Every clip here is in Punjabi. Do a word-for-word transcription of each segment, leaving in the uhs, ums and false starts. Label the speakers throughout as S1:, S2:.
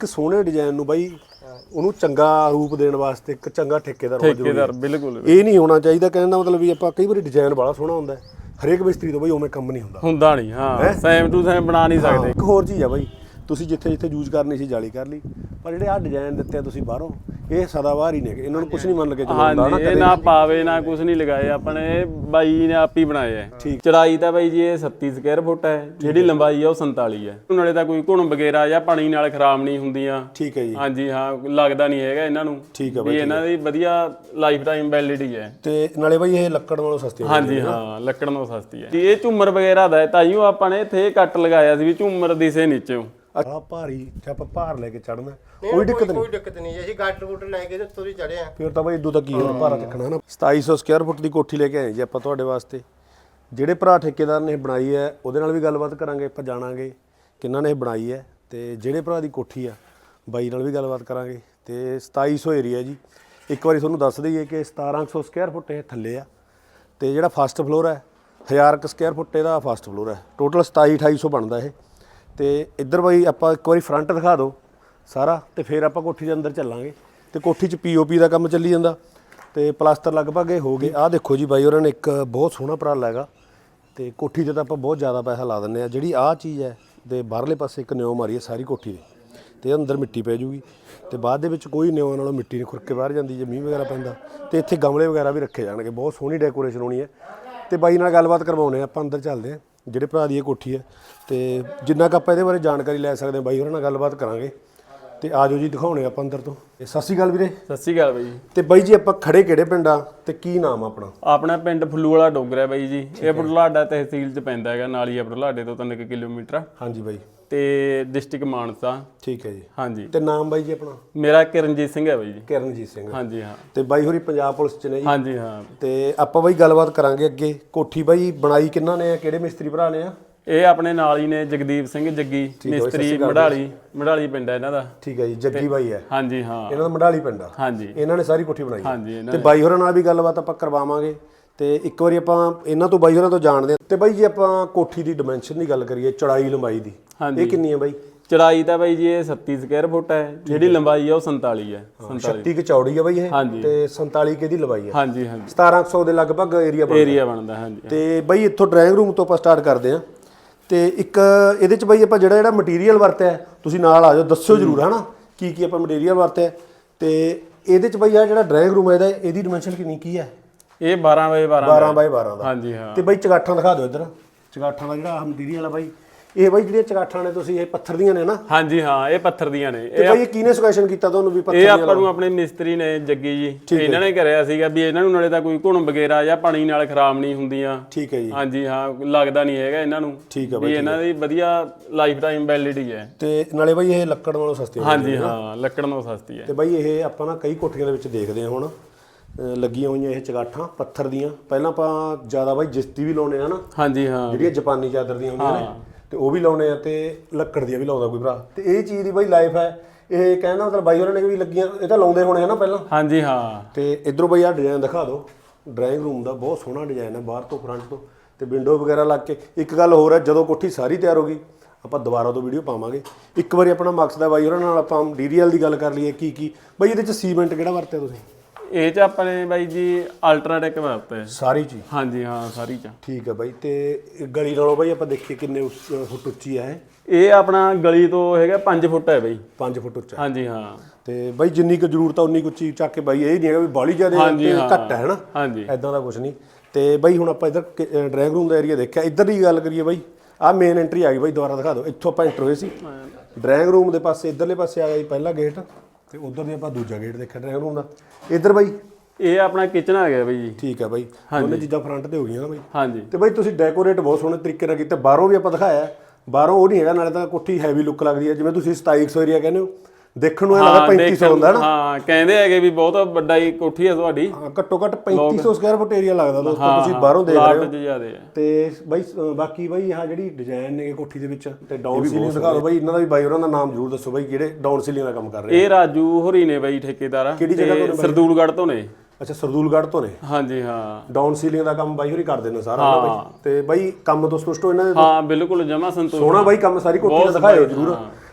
S1: ਇੱਕ ਸੋਹਣੇ ਡਿਜ਼ਾਈਨ ਨੂੰ ਬਾਈ ਉਹਨੂੰ ਚੰਗਾ ਰੂਪ ਦੇਣ ਵਾਸਤੇ ਇੱਕ ਚੰਗਾ ਠੇਕੇਦਾਰ ਹੋਣਾ ਜ਼ਰੂਰੀ
S2: ਠੇਕੇਦਾਰ ਬਿਲਕੁਲ
S1: ਇਹ ਨਹੀਂ ਹੋਣਾ ਚਾਹੀਦਾ। ਕਹਿਣ ਦਾ ਮਤਲਬ ਵੀ ਆਪਾਂ ਕਈ ਵਾਰੀ ਡਿਜ਼ਾਈਨ ਬੜਾ ਸੋਹਣਾ ਹੁੰਦਾ ਹਰੇਕ ਮਿਸਤਰੀ ਤੋਂ ਬਾਈ ਉਵੇਂ ਕੰਮ ਨਹੀਂ ਹੁੰਦਾ
S2: ਹੁੰਦਾ ਨਹੀਂ। ਹਾਂ ਸੇਮ ਟੂ ਸੇਮ ਬਣਾ ਨਹੀਂ ਸਕਦੇ।
S1: ਇੱਕ ਹੋਰ ਚੀਜ਼ ਆ ਬਾਈ ਤੁਸੀਂ ਜਿੱਥੇ ਜਿੱਥੇ ਯੂਜ਼ ਕਰਨੀ ਸੀ ਜਾਲੀ ਕਰ ਲਈ ਪਰ ਜਿਹੜੇ ਆ ਡਿਜ਼ਾਈਨ ਦਿੱਤੇ ਆ ਤੁਸੀਂ ਬਾਹਰੋਂ ਇਹ ਸਦਾਬਾਹਰ ਹੀ ਨੇ ਇਹਨਾਂ ਨੂੰ ਕੁਝ ਨਹੀਂ ਮੰਨ ਕੇ ਚੱਲਦਾ
S2: ਹਾਂਜੀ ਇਹ ਨਾ ਪਾਵੇ ਨਾ ਕੁਝ ਨਹੀਂ ਲਗਾਏ ਆਪਣੇ ਬਾਈ ਨੇ ਆਪ ਹੀ ਬਣਾਏ ਆ। ਚੜਾਈ ਤਾਂ ਬਾਈ ਜੀ ਇਹ ਛੱਤੀ ਸਕੁਅਰ ਫੁੱਟ ਹੈ ਜਿਹੜੀ ਲੰਬਾਈ ਆ ਉਹ ਸੰਤਾਲੀ ਹੈ। ਨਾਲੇ ਤਾਂ ਕੋਈ ਘੁਣ ਵਗੈਰਾ ਜਾਂ ਪਾਣੀ ਨਾਲ ਖਰਾਬ ਨਹੀਂ ਹੁੰਦੀਆਂ।
S1: ਠੀਕ ਹੈ ਜੀ
S2: ਹਾਂਜੀ ਹਾਂ ਲੱਗਦਾ ਨਹੀਂ ਹੈਗਾ ਇਹਨਾਂ ਨੂੰ
S1: ਠੀਕ ਹੈ
S2: ਵੀ ਇਹਨਾਂ ਦੀ ਵਧੀਆ ਲਾਈਫ ਟਾਈਮ ਵੈਲਿਡਿਟੀ ਹੈ
S1: ਤੇ ਨਾਲੇ ਬਾਈ ਇਹ ਲੱਕੜ ਨਾਲੋਂ ਸਸਤੀ ਹੈ।
S2: ਹਾਂਜੀ ਹਾਂ ਲੱਕੜ ਨਾਲੋਂ ਸਸਤੀ ਹੈ। ਇਹ ਝੂਮਰ ਵਗੈਰਾ ਦਾ ਤਾਈਓ ਆਪਾਂ ਨੇ ਇੱਥੇ ਕੱਟ ਲਗਾਇਆ ਸੀ ਵੀ ਝੂਮਰ ਦਿਸੇ ਨੀਚੇ
S1: ਆ ਭਾਰੀ ਜੇ ਆਪਾਂ ਭਾਰ ਲੈ ਕੇ ਚੜਨਾ ਕੋਈ ਦਿੱਕਤ ਨਹੀਂ
S3: ਕੋਈ ਦਿੱਕਤ ਨਹੀਂ ਅਸੀਂ ਗਾਟਰ ਗੂਟਰ ਲੈ ਕੇ ਉੱਤੋਂ ਦੀ ਚੜੇ ਆ
S1: ਫਿਰ ਤਾਂ ਬਾਈ ਇਦੋਂ ਤੱਕ ਕੀ ਹੋਰ ਭਾਰਾ ਚੱਕਣਾ ਨਾ। ਸਤਾਈ ਸੌ ਸਕੁਅਰ ਫੁੱਟ ਦੀ ਕੋਠੀ ਲੈ ਕੇ ਆਏ ਜੀ ਆਪਾਂ ਤੁਹਾਡੇ ਵਾਸਤੇ। ਜਿਹੜੇ ਭਰਾ ਠੇਕੇਦਾਰ ਨੇ ਇਹ ਬਣਾਈ ਹੈ ਉਹਦੇ ਨਾਲ ਵੀ ਗੱਲਬਾਤ ਕਰਾਂਗੇ ਆਪਾਂ ਜਾਣਾਂਗੇ ਕਿੰਨਾਂ ਨੇ ਇਹ ਬਣਾਈ ਹੈ ਤੇ ਜਿਹੜੇ ਭਰਾ ਦੀ ਕੋਠੀ ਆ ਬਾਈ ਨਾਲ ਵੀ ਗੱਲਬਾਤ ਕਰਾਂਗੇ। ਤੇ ਸਤਾਈ ਸੌ ਏਰੀਆ ਜੀ ਇੱਕ ਵਾਰੀ ਤੁਹਾਨੂੰ ਦੱਸ ਦਈਏ ਕਿ ਸਤਾਰਾਂ ਸੌ ਸਕੁਅਰ ਫੁੱਟ ਇਹ ਥੱਲੇ ਆ ਤੇ ਜਿਹੜਾ ਫਸਟ ਫਲੋਰ ਹੈ ਹਜ਼ਾਰ ਕੁ ਸਕੁਅਰ ਫੁੱਟ ਇਹਦਾ ਫਸਟ ਫਲੋਰ ਹੈ। ਟੋਟਲ ਸਤਾਈ ਅਠਾਈ ਸੌ ਬਣਦਾ ਇਹ। ਤੇ ਇੱਧਰ ਬਾਈ ਆਪਾਂ ਇੱਕ ਵਾਰੀ ਫਰੰਟ ਦਿਖਾ ਦਿਓ ਸਾਰਾ ਤੇ ਫਿਰ ਆਪਾਂ ਕੋਠੀ ਦੇ ਅੰਦਰ ਚੱਲਾਂਗੇ। ਤੇ ਕੋਠੀ 'ਚ ਪੀਓਪੀ ਦਾ ਕੰਮ ਚੱਲੀ ਜਾਂਦਾ ਤੇ ਪਲਾਸਟਰ ਲਗਭਗ ਇਹ ਹੋ ਗਏ। ਆਹ ਦੇਖੋ ਜੀ ਬਾਈ ਉਹਨਾਂ ਨੇ ਇੱਕ ਬਹੁਤ ਸੋਹਣਾ ਉਪਰਾਲਾ ਹੈਗਾ ਤੇ ਕੋਠੀ 'ਤੇ ਤਾਂ ਆਪਾਂ ਬਹੁਤ ਜ਼ਿਆਦਾ ਪੈਸਾ ਲਾ ਦਿੰਦੇ ਆ। ਜਿਹੜੀ ਆਹ ਚੀਜ਼ ਹੈ ਤੇ ਬਾਹਰਲੇ ਪਾਸੇ ਇੱਕ ਨਿਉ ਮਾਰੀ ਹੈ ਸਾਰੀ ਕੋਠੀ ਦੇ ਤੇ ਅੰਦਰ ਮਿੱਟੀ ਪੈ ਜੂਗੀ ਤੇ ਬਾਅਦ ਦੇ ਵਿੱਚ ਕੋਈ ਨਿਉ ਨਾਲੋਂ ਮਿੱਟੀ ਨਹੀਂ ਖੁਰਕ ਕੇ ਬਾਹਰ ਜਾਂਦੀ ਜੇ ਮੀਂਹ ਵਗੈਰਾ ਪੈਂਦਾ। ਤੇ ਇੱਥੇ ਗਮਲੇ ਵਗੈਰਾ ਵੀ ਰੱਖੇ ਜਾਣਗੇ। ਬਹੁਤ ਸੋਹਣੀ ਡੈਕੋਰੇਸ਼ਨ ਹੋਣੀ ਹੈ ਤੇ ਬਾਈ ਨਾਲ ਗੱਲਬਾਤ ਕਰਵਾਉਂਦੇ ਆਪਾਂ ਅੰਦਰ ਚੱਲਦੇ ਹਾਂ ਜਿਹੜੇ ਭਰਾ ਦੀ ਇਹ ਕੋਠੀ ਹੈ ਤੇ ਜਿੰਨਾ ਕੁ ਆਪਾਂ ਇਹਦੇ ਬਾਰੇ ਜਾਣਕਾਰੀ ਲੈ ਸਕਦੇ ਹਾਂ ਬਾਈ ਹੋਰਾਂ ਨਾਲ ਗੱਲਬਾਤ ਕਰਾਂਗੇ। ਤੇ ਆਜੋ ਜੀ ਦਿਖਾਉਣੇ ਆਪਾਂ ਅੰਦਰ ਤੋਂ। ਸਤਿ ਸ਼੍ਰੀ ਅਕਾਲ ਵੀਰੇ।
S2: ਸਤਿ ਸ਼੍ਰੀ ਅਕਾਲ ਬਾਈ।
S1: ਤੇ ਬਾਈ ਜੀ ਆਪਾਂ ਖੜੇ ਕਿਹੜੇ ਪਿੰਡ ਆ ਤੇ ਕੀ ਨਾਮ ਆਪਣਾ?
S2: ਆਪਣਾ ਪਿੰਡ ਫੁੱਲੂ ਵਾਲਾ ਡੋਗਰ ਹੈ ਬਾਈ ਜੀ। ਇਹ ਬੁਢਲਾਡਾ ਤਹਿਸੀਲ 'ਚ ਪੈਂਦਾ ਹੈਗਾ ਨਾਲ ਹੀ ਆ ਬੁਢਲਾਡੇ ਤੋਂ ਤਿੰਨ ਕਿਲੋਮੀਟਰ।
S1: ਹਾਂਜੀ ਬਾਈ
S2: ਤੇ ਡਿਸਟ੍ਰਿਕਟ ਮਾਨਸਾ।
S1: ਠੀਕ ਹੈ ਜੀ।
S2: ਹਾਂਜੀ
S1: ਤੇ ਨਾਮ ਬਾਈ ਜੀ ਆਪਣਾ?
S2: ਮੇਰਾ ਕਿਰਨਜੀਤ ਸਿੰਘ ਹੈ ਬਾਈ ਜੀ।
S1: ਕਿਰਨਜੀਤ ਸਿੰਘ।
S2: ਹਾਂਜੀ ਹਾਂ।
S1: ਤੇ ਬਾਈ ਹੋਰੀ ਪੰਜਾਬ ਪੁਲਿਸ 'ਚ ਨੇ ਜੀ?
S2: ਹਾਂਜੀ ਹਾਂ।
S1: ਤੇ ਆਪਾਂ ਬਾਈ ਗੱਲਬਾਤ ਕਰਾਂਗੇ ਅੱਗੇ। ਕੋਠੀ ਬਾਈ ਬਣਾਈ ਕਿੰਨਾ ਨੇ ਆ ਕਿਹੜੇ ਮਿਸਤਰੀ ਭਰਾ ਨੇ ਆ?
S2: ਇਹ ਆਪਣੇ ਨਾਲ ਹੀ ਨੇ ਜਗਦੀਪ ਸਿੰਘ ਜੱਗੀ ਮਿਸਤਰੀ ਮੜਾਲੀ ਮੜਾਲੀ ਪਿੰਡ ਹੈ ਇਹਨਾਂ ਦਾ।
S1: ਠੀਕ ਹੈ ਜੀ ਜੱਗੀ ਬਾਈ ਹੈ।
S2: ਹਾਂਜੀ ਹਾਂ
S1: ਇਹਨਾਂ ਦਾ ਮੜਾਲੀ ਪਿੰਡ ਆ।
S2: ਹਾਂਜੀ
S1: ਇਹਨਾਂ ਨੇ ਸਾਰੀ ਕੋਠੀ ਬਣਾਈ।
S2: ਹਾਂਜੀ
S1: ਤੇ ਬਾਈ ਹੋਰਾਂ ਨਾਲ ਵੀ ਗੱਲਬਾਤ ਆਪਾਂ ਕਰਵਾਵਾਂਗੇ ਤੇ ਇੱਕ ਵਾਰੀ ਆਪਾਂ ਇਹਨਾਂ ਤੋਂ ਬਾਈ ਹੋਰਾਂ ਤੋਂ ਜਾਣਦੇ ਹਾਂ। ਤੇ ਬਾਈ ਜੀ ਆਪਾਂ ਕੋਠੀ ਦੀ ਡਾਈਮੈਂਸ਼ਨ ਦੀ ਗੱਲ ਕਰੀਏ ਚੌੜਾਈ ਲੰਬਾਈ ਦੀ ਇਹ ਕਿੰਨੀ ਹੈ ਬਾਈ?
S2: ਚੜਾਈ ਤਾਂ ਬਾਈ ਜੀ ਇਹ ਛੱਤੀ ਸਕੁਅਰ ਫੁੱਟ ਹੈ ਜਿਹੜੀ ਲੰਬਾਈ ਹੈ ਉਹ ਸੰਤਾਲੀ ਹੈ।
S1: ਛੱਤੀ ਕਿ ਚੌੜੀ ਹੈ ਬਾਈ ਇਹ ਤੇ ਸੰਤਾਲੀ ਕਿ ਦੀ ਲੰਬਾਈ ਹੈ।
S2: ਹਾਂਜੀ ਹਾਂਜੀ
S1: ਸਤਾਰਾਂ ਸੌ ਦੇ ਲਗਭਗ ਏਰੀਆ ਬਣਦਾ
S2: ਏਰੀਆ ਬਣਦਾ। ਹਾਂਜੀ
S1: ਤੇ ਬਾਈ ਇੱਥੋਂ ਡਰਾਇੰਗ ਰੂਮ ਤੋਂ ਆਪਾਂ ਸਟਾਰਟ ਕਰਦੇ ਹਾਂ ਤੇ ਇੱਕ ਇਹਦੇ ਚ ਬਾਈ ਆਪਾਂ ਜਿਹੜਾ ਜਿਹੜਾ ਮਟੀਰੀਅਲ ਵਰਤਿਆ ਤੁਸੀਂ ਨਾਲ ਆ ਜਾਓ ਦੱਸਿਓ ਜ਼ਰੂਰ ਹਨਾ ਕੀ ਕੀ ਆਪਾਂ ਮਟੀਰੀਅਲ ਵਰਤਿਆ। ਤੇ ਇਹਦੇ ਚ ਬਾਈ ਆ ਜਿਹੜਾ ਡਰਾਇੰਗ ਰੂਮ ਹੈ ਇਹਦਾ ਇਹਦੀ ਡਾਈਮੈਂਸ਼ਨ ਕਿੰਨੀ ਕੀ ਹੈ?
S2: ਇਹ ਬਾਰਾਂ ਬਾਏ ਬਾਰਾਂ
S1: ਬਾਰਾਂ ਬਾਏ ਬਾਰਾਂ ਦਾ।
S2: ਹਾਂਜੀ ਹਾਂ।
S1: ਤੇ ਬਾਈ ਚਗਾਠਾਂ ਦਿਖਾ ਦਿਓ ਇੱਧਰ। ਚਗਾਠਾਂ ਦਾ ਜਿਹੜਾ ਮਟੀਰੀਅਲ ਆ ਬਾਈ ਇਹ ਬਾਈ ਜਿਹੜੀਆਂ ਚਗਾਠਾਂ ਨੇ ਤੁਸੀਂ ਇਹ ਪੱਥਰ ਦੀਆਂ ਨੇ ਨਾ?
S2: ਹਾਂਜੀ ਹਾਂ ਇਹ ਪੱਥਰ ਦੀਆਂ ਨੇ।
S1: ਤੇ ਬਾਈ ਇਹ ਕਿਹਨੇ ਸੁਜੈਸ਼ਨ ਕੀਤਾ ਤੁਹਾਨੂੰ ਵੀ ਪੱਥਰ
S2: ਇਹ ਆਪਾਂ ਨੂੰ ਆਪਣੇ ਮਿਸਤਰੀ ਨੇ ਜੱਗੀ ਜੀ ਇਹਨਾਂ ਨੇ ਕਰਿਆ ਸੀਗਾ ਵੀ ਇਹਨਾਂ ਨੂੰ ਨਾਲੇ ਤਾਂ ਕੋਈ ਘੁਣ ਵਗੈਰਾ ਜਾਂ ਪਾਣੀ ਨਾਲ ਖਰਾਬ ਨਹੀਂ ਹੁੰਦੀਆਂ।
S1: ਠੀਕ ਹੈ ਜੀ।
S2: ਹਾਂਜੀ ਹਾਂ ਲੱਗਦਾ ਨਹੀਂ ਹੈਗਾ ਇਹਨਾਂ ਨੂੰ
S1: ਠੀਕ ਹੈ
S2: ਵੀ ਇਹਨਾਂ ਦੀ ਵਧੀਆ ਲਾਈਫ ਟਾਈਮ ਵੈਲਿਡਿਟੀ ਹੈ।
S1: ਤੇ ਨਾਲੇ ਬਾਈ ਇਹ ਲੱਕੜ ਨਾਲੋਂ ਸਸਤੀ ਹੈ।
S2: ਹਾਂਜੀ ਹਾਂ ਲੱਕੜ ਨਾਲੋਂ ਸਸਤੀ ਹੈ।
S1: ਤੇ ਬਾਈ ਇਹ ਆਪਾਂ ਨਾ ਕਈ ਕੋਠੀਆਂ ਦੇ ਵਿੱਚ ਦੇਖਦੇ ਹਾਂ ਹੁਣ ਲੱਗੀਆਂ ਹੋਈਆਂ ਇਹ ਚਗਾਠਾਂ ਪੱਥਰ ਦੀਆਂ। ਪਹਿਲਾਂ ਆਪਾਂ ਜ਼ਿਆਦਾ ਬਾਈ ਜਿਸਤੀ ਵੀ ਲਾਉਣੇ ਆ ਨਾ। ਹਾਂਜੀ ਹਾਂ ਜਿਹੜੀਆਂ ਜਾਪਾਨੀ ਚਾਦਰ ਦੀਆਂ ਹੁੰਦੀਆਂ ਨੇ ਤੇ ਉਹ ਵੀ ਲਾਉਣੇ ਆ ਤੇ ਲੱਕੜ ਦੀਆਂ ਵੀ ਲਾਉਂਦਾ ਕੋਈ ਭਰਾ। ਤੇ ਇਹ ਚੀਜ਼ ਦੀ ਬਾਈ ਲਾਈਫ ਹੈ ਇਹ ਕਹਿੰਦਾ ਮਤਲਬ ਬਾਈ ਉਹਨਾਂ ਨੇ ਵੀ ਲੱਗੀਆਂ ਇਹ ਤਾਂ ਲਾਉਂਦੇ ਹੋਣੇ ਆ ਨਾ ਪਹਿਲਾਂ। ਹਾਂਜੀ ਹਾਂ। ਤੇ ਇਧਰੋਂ ਬਾਈ ਆਹ ਡਿਜ਼ਾਈਨ ਦਿਖਾ ਦਿਓ ਡਰਾਇੰਗ ਰੂਮ ਦਾ। ਬਹੁਤ ਸੋਹਣਾ ਡਿਜ਼ਾਈਨ ਹੈ ਬਾਹਰ ਤੋਂ ਫਰੰਟ ਤੋਂ ਤੇ ਵਿੰਡੋ ਵਗੈਰਾ ਲੱਗ ਕੇ। ਇੱਕ ਗੱਲ ਹੋਰ ਹੈ ਜਦੋਂ ਕੋਠੀ ਸਾਰੀ ਤਿਆਰ ਹੋ ਗਈ ਆਪਾਂ ਦੁਬਾਰਾ ਤੋਂ ਵੀਡੀਓ ਪਾਵਾਂਗੇ। ਇੱਕ ਵਾਰੀ ਆਪਣਾ ਮਕਸਦ ਹੈ ਬਾਈ ਉਹਨਾਂ ਨਾਲ ਆਪਾਂ ਮਟੀਰੀਅਲ ਦੀ ਗੱਲ ਕਰ ਲਈਏ ਕੀ ਕੀ ਬਾਈ ਇਹਦੇ ਚ ਸੀਮੈਂਟ ਕਿਹੜਾ ਵਰਤਿਆ ਤੁਸੀਂ? ਇਹ 'ਚ ਆਪਣੇ ਬਾਈ ਜੀ ਅਲਟਰਾਟੈਕ ਵਰਤਿਆ ਸਾਰੀ ਚੀਜ਼। ਹਾਂਜੀ ਹਾਂ ਸਾਰੀ ਚ। ਠੀਕ ਹੈ ਬਾਈ। ਤੇ ਗਲੀ ਨਾਲੋਂ ਬਾਈ ਆਪਾਂ ਦੇਖੀਏ ਕਿੰਨੇ ਫੁੱਟ ਉੱਚੀ ਹੈ ਇਹ? ਇਹ ਆਪਣਾ ਗਲੀ ਤੋਂ ਹੈਗਾ ਪੰਜ ਫੁੱਟ ਹੈ ਬਾਈ। ਪੰਜ ਫੁੱਟ ਉੱਚਾ। ਹਾਂਜੀ ਹਾਂ। ਤੇ ਬਾਈ ਜਿੰਨੀ ਕੁ ਜ਼ਰੂਰਤ ਆ ਉਨੀ ਕੁ ਉੱਚੀ ਚੱਕ ਕੇ ਬਾਈ ਇਹ ਨਹੀਂ ਹੈਗਾ ਵੀ ਬਾਹਲੀ ਜ਼ਿਆਦਾ ਘੱਟ ਹੈ ਹਨਾ। ਹਾਂਜੀ ਐਦਾਂ ਦਾ ਕੁਝ ਨਹੀਂ। ਤੇ ਬਾਈ ਹੁਣ ਆਪਾਂ ਇੱਧਰ ਡਰਾਇੰਗ ਰੂਮ ਦਾ ਏਰੀਆ ਦੇਖਿਆ। ਇੱਧਰ ਦੀ ਗੱਲ ਕਰੀਏ ਬਾਈ ਆਹ ਮੇਨ ਐਂਟਰੀ ਆ ਗਈ ਬਾਈ ਦੁਬਾਰਾ ਦਿਖਾ ਦਿਓ। ਇੱਥੋਂ ਆਪਾਂ ਐਂਟਰ ਹੋਏ ਸੀ ਡਰਾਇੰਗ ਰੂਮ ਦੇ ਪਾਸੇ ਇੱਧਰਲੇ ਪਾਸੇ ਆ ਗਿਆ ਜੀ ਪਹਿਲਾ ਗੇਟ ਤੇ ਉਧਰ ਦੇ ਆਪਾਂ ਦੂਜਾ ਗੇਟ ਦੇਖਿਆ ਡਰਾਇੰਗ ਰੂਮ ਦਾ। ਇੱਧਰ ਬਾਈ ਇਹ ਆਪਣਾ ਕਿਚਨ ਆ ਗਿਆ ਬਾਈ ਜੀ। ਠੀਕ ਹੈ ਬਾਈ ਦੋਨੇ ਚੀਜ਼ਾਂ ਫਰੰਟ ਤੇ ਹੋ ਗਈਆਂ ਨਾ ਬਾਈ। ਹਾਂਜੀ। ਤੇ ਬਾਈ ਤੁਸੀਂ ਡੈਕੋਰੇਟ ਬਹੁਤ ਸੋਹਣੇ ਤਰੀਕੇ ਨਾਲ ਕੀਤਾ। ਬਾਹਰੋਂ ਵੀ ਆਪਾਂ ਦਿਖਾਇਆ ਬਾਹਰੋਂ ਉਹ ਨਹੀਂ ਹੈਗਾ ਨਾਲੇ ਤਾਂ ਕੋਠੀ ਹੈਵੀ ਲੁੱਕ ਲੱਗਦੀ ਹੈ ਜਿਵੇਂ ਤੁਸੀਂ ਸਤਾਈ ਸੌ ਏਰੀਆ ਕਹਿੰਦੇ ਹੋ ਦੇਖਣ ਨੂੰ ਇਹ ਲੱਗਦਾ ਪੈਂਤੀ ਸੌ ਹੁੰਦਾ ਨਾ। ਹਾਂ ਕਹਿੰਦੇ ਹੈਗੇ ਵੀ ਬਹੁਤ ਵੱਡਾ ਹੀ ਕੋਠੀ ਹੈ ਤੁਹਾਡੀ। ਹਾਂ ਘੱਟੋ ਘੱਟ ਪੈਂਤੀ ਸੌ ਸਕੁਅਰ ਫੁੱਟ ਏਰੀਆ ਲੱਗਦਾ ਦੋਸਤੋ ਤੁਸੀਂ ਬਾਹਰੋਂ ਦੇਖ ਰਹੇ ਹੋ। ਤੇ ਬਾਈ ਬਾਕੀ ਬਾਈ ਆਹ ਜਿਹੜੀ ਡਿਜ਼ਾਈਨ ਨੇ ਕੋਠੀ ਦੇ ਵਿੱਚ ਤੇ ਡਾਊਨ ਸੀਲਿੰਗ ਦਿਖਾ ਦਿਓ ਬਾਈ। ਇਹਨਾਂ ਦਾ ਵੀ ਬਾਈ ਹੋਰਾਂ ਦਾ ਨਾਮ ਜ਼ਰੂਰ ਦੱਸੋ ਬਾਈ ਜਿਹੜੇ ਡਾਊਨ ਸੀਲਿੰਗ ਦਾ ਕੰਮ ਕਰ ਰਹੇ। ਇਹ ਰਾਜੂ ਹੋਰੀ ਨੇ ਬਾਈ ਠੇਕੇਦਾਰ। ਕਿਹੜੀ ਜਗ੍ਹਾ ਤੋਂ? ਸਰਦੂਲਗੜ੍ਹ ਤੋਂ ਨੇ। ਅੱਛਾ ਸਰਦੂਲਗੜ੍ਹ ਤੋਂ ਨੇ। ਹਾਂਜੀ ਹਾਂ। ਡਾਊਨ ਸੀਲਿੰਗ ਦਾ ਕੰਮ ਬਾਈ ਹੋਰੀ ਕਰਦੇ ਨੇ ਸਾਰਾ ਬਾਈ। ਤੇ ਬਾਈ ਕੰਮ ਤੋਂ ਸਪਸ਼ਟ ਹੋ ਇਹਨਾਂ ਦੇ? ਹਾਂ ਬਿਲਕੁਲ ਜਮਾ ਸੰਤੋਸ਼। ਸੋਹਣਾ ਬਾਈ ਕੰਮ ਸਾਰੀ ਕੋਠੀ ਦਾ ਦਿਖਾਇਓ ਜ਼ਰੂਰ।